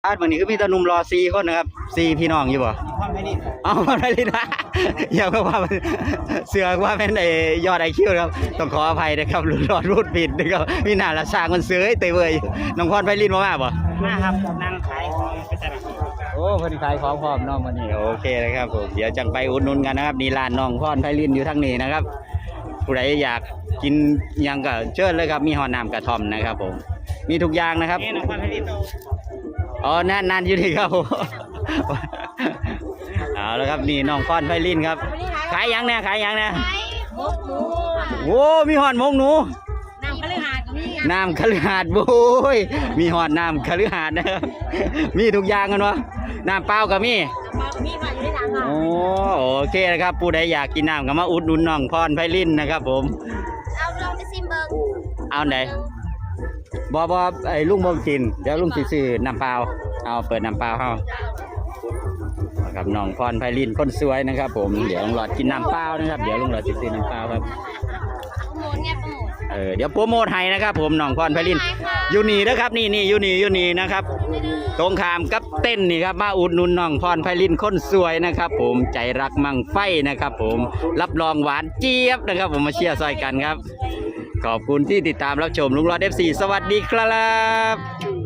วันนี้ก็มีตาหนุ่มรอ4 คนนะครับ4 พี่น้องอยู่บ่เอาพ่อไม่ลินนะอย่าเพิ่งว่าเสือกว่าเป็นไอยอดIQครับต้องขออภัยนะครับรอดรูดผิดนะครับมีหน้าละสร้างมันเสือเตยเวยน้องพรไพลินมาบ่มาครับนั่งขายของไปตลาดโอ้เพิ่นขายของพร้อมน้องวันนี้โอเคนะครับผมเดี๋ยวจังไปอุดหนุนกันนะครับนี่ร้านน้องพรไพลินอยู่ทางนี้นะครับผู้ใดอยากกินยังก็เชิญเลยครับมีหอน้ำกระท่อมนะครับผมมีทุกอย่างนะครับนี่น้องพรไพลินอ๋อนั่นอยู่นี่ครับเอาแล้วครับนี่น้องพรไพลินครับขายยังเนี่ยขายยังเนี่ยมกหมูโอ้มีหอดมกหนูน้ำคฤหาสน์ก็มีน้ำคฤหาสน์โอ้ยมีหอดน้ำคฤหาสน์นะครับมีทุกอย่างกันวะน้ำเปล่าก็มีมีค่ะอยู่ในถังค่ะโอ้โอเคนะครับผู้ใดอยากกินน้ำก็มาอุดหนุนน้องพรไพลินนะครับผมเอาลองไปซิมเบิ้งเอาไหนบไอ้ลุงบ่กินเดี๋ยวลุงซื้อน้ำเปล่าเอาเปิดน้ำเปล่าเฮาครับน้องพรไพลินคนสวยนะครับผมเดี๋ยวลุงหลอดกินน้ำเปล่านะครับเดี๋ยวลุงหลอดซื้อน้ำเปล่าครับโปรโมทไงโปรโมทเดี๋ยวโปรโมทให้นะครับผมน้องพรไพลินอยู่นี่นะครับนี่อยู่นี่นะครับตรงข้ามกับเต้นนี่ครับมาอุดหนุนน้องพรไพลินคนสวยนะครับผมใจรักมั่งไฟนะครับผมรับรองหวานเจี๊ยบนะครับผมมาเชียร์ซอยกันครับขอบคุณที่ติดตามรับชมลุงหลอด FC สวัสดีครับ